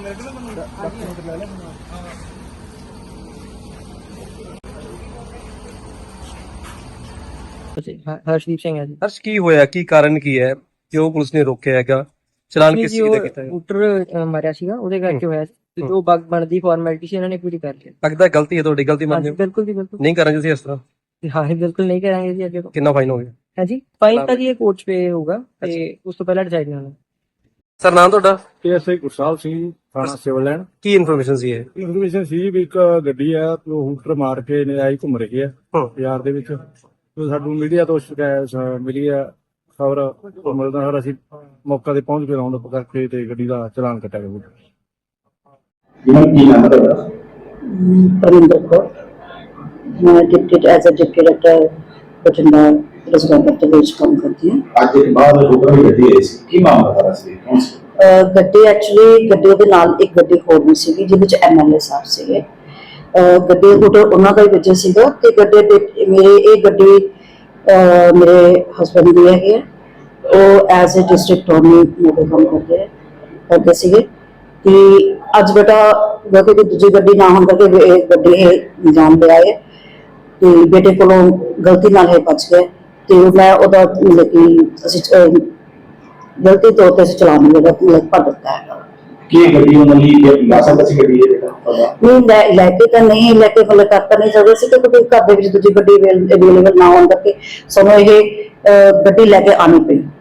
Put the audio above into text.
हर्षदीप सिंह है जी। हर्ष की होया की कारण की है क्यों पुलिस ने रोकया हैगा चलान किस चीज दा कीता है स्कूटर मारिया सीगा ਉਹਦੇ ਕਰਕੇ ਹੋਇਆ ਤੇ ਜੋ ਬਗ ਬਣਦੀ ਫਾਰਮੈਲਿਟੀ ਸੀ ਇਹਨਾਂ ਨੇ ਪੂਰੀ ਕਰ ਲਈ। लगता है गलती है ਤੁਹਾਡੀ ਗਲਤੀ ਮੰਨਦੇ ਹੋ ਬਿਲਕੁਲ ਜੀ ਬਿਲकुल ਨਹੀਂ ਕਰਾਂਗੇ ਤੁਸੀਂ ਇਸ ਤਰ੍ਹਾਂ ਹਾਂ ਬਿਲकुल ਨਹੀਂ ਕਰਾਂਗੇ ਜੀ ਅੱਗੇ ਤੋਂ। ਕਿੰਨਾ ਫਾਈਨ ਹੋ ਗਿਆ ਹੈ ਜੀ ਫਾਈਨ ਤਾਂ ਜੀ ਇਹ ਕੋਰਟ 'ਚ ਪੇ ਹੋਊਗਾ ਤੇ ਉਸ ਤੋਂ ਪਹਿਲਾਂ ਡਿਸਾਈਡ ਨਹੀਂ ਹੋਣਾ। ਸਰ ਨਾਮ ਤੁਹਾਡਾ ਐਸਆਈ ਗੁਰਸਾਹਿਬ ਸਿੰਘ ਥਾਣਾ ਸਿਵਲ ਲਾਈਨ। ਕੀ ਇਨਫੋਰਮੇਸ਼ਨ ਸੀ ਇਹ ਇਨਫੋਰਮੇਸ਼ਨ ਸੀ ਵੀ ਇੱਕ ਗੱਡੀ ਆ ਉਹ ਹੂਟਰ ਮਾਰ ਕੇ ਨਜਾਇਜ਼ ਘੁੰਮ ਰਹੀ ਆ ਬਾਜ਼ਾਰ ਦੇ ਵਿੱਚ। ਤੇ ਸਾਨੂੰ ਮੀਡੀਆ ਤੋਂ ਸ਼ਿਕਾਇਤ ਮਿਲੀ ਆ ਖਬਰ ਮਿਲਦਾ ਸਰ ਅਸੀਂ ਮੌਕਾ ਤੇ ਪਹੁੰਚ ਕੇ ਰਾਉਂਡ ਅਪ ਕਰਕੇ ਤੇ ਗੱਡੀ ਦਾ ਚਲਾਨ ਕੱਟਿਆ ਗਿਆ। ਪਰਮਿੰਦਰ ਕੌਰ ਮੈਂ deputy as a deputy director Bathinda restaurant ਦੇ ਵਿੱਚ ਕੰਮ ਕਰਦੀ ਹਾਂ। ਅੱਜ ਦੇ ਬਾਅਦ ਹੁਕਮ ਗੱਡੀ ਆਈ ਸੀ ਕੀ ਮਾਮਲਾ ਸਾਰਾ ਸੀ ਗੱਡੀ ਐਕਚੁਅਲੀ ਗੱਡੀ ਦੇ ਨਾਲ ਇੱਕ ਗੱਡੀ ਹੋਰ ਵੀ ਸੀਗੀ ਜਿਹਦੇ ਵਿੱਚ ਐਮਐਲਏ ਸਾਹਿਬ ਸੀਗੇ। ਗੱਡੀ ਹੁਟਰ ਉਹਨਾਂ ਦਾ ਹੀ ਵਜ੍ਹਾ ਸੀਗਾ ਤੇ ਗੱਡੀ ਮੇਰੇ ਇਹ ਗੱਡੀ ਮੇਰੇ ਹਸਬੈਂਡ ਦੀ ਹੈਗੀ ਹੈ। ਉਹ as a district attorney motor ਕੰਮ ਕਰਦੇ ਸੀਗੇ ਤੇ ਅੱਜ ਬੇਟਾ ਕਿ ਦੂਜੀ ਗੱਡੀ ਨਾ ਹੋਣ ਕਰਕੇ ਇਹ ਗੱਡੀ ਇਹ ਜਾਣ ਦੇ ਆਏ ਤੇ ਬੇਟੇ ਕੋਲੋਂ ਗਲਤੀ ਨਾਲ ਇਹ ਬਚ ਗਏ ਤੇ ਮੈਂ ਉਹਦਾ ਮਤਲਬ ਕਿ ਅਸੀਂ ਗਲਤੀ ਤੌਰ ਤੇ ਚਲਾਉਣ ਦਾ ਮਤਲਬ ਭਰ ਦਿੱਤਾ ਹੈ ਕੀ ਗੱਡੀ ਉਹਨਾਂ ਲਈ ਲਾਸਾ ਸੀ ਗੱਡੀ ਹੈ ਬੇਟਾ ਨਹੀਂ ਲੈ ਕੇ ਤਾਂ ਨਹੀਂ ਲੈ ਕੇ ਮਤਲਬ ਕਰ ਤਾਂ ਨਹੀਂ ਸਕਦੇ ਸੀ ਕਿਉਂਕਿ ਘਰ ਦੇ ਵਿੱਚ ਦੂਜੀ ਗੱਡੀ ਅਵੇਲੇਬਲ ਨਾ ਹੋਣ ਕਰਕੇ ਸਾਨੂੰ ਇਹ ਗੱਡੀ ਲੈ ਕੇ ਆਉਣੀ ਪਈ।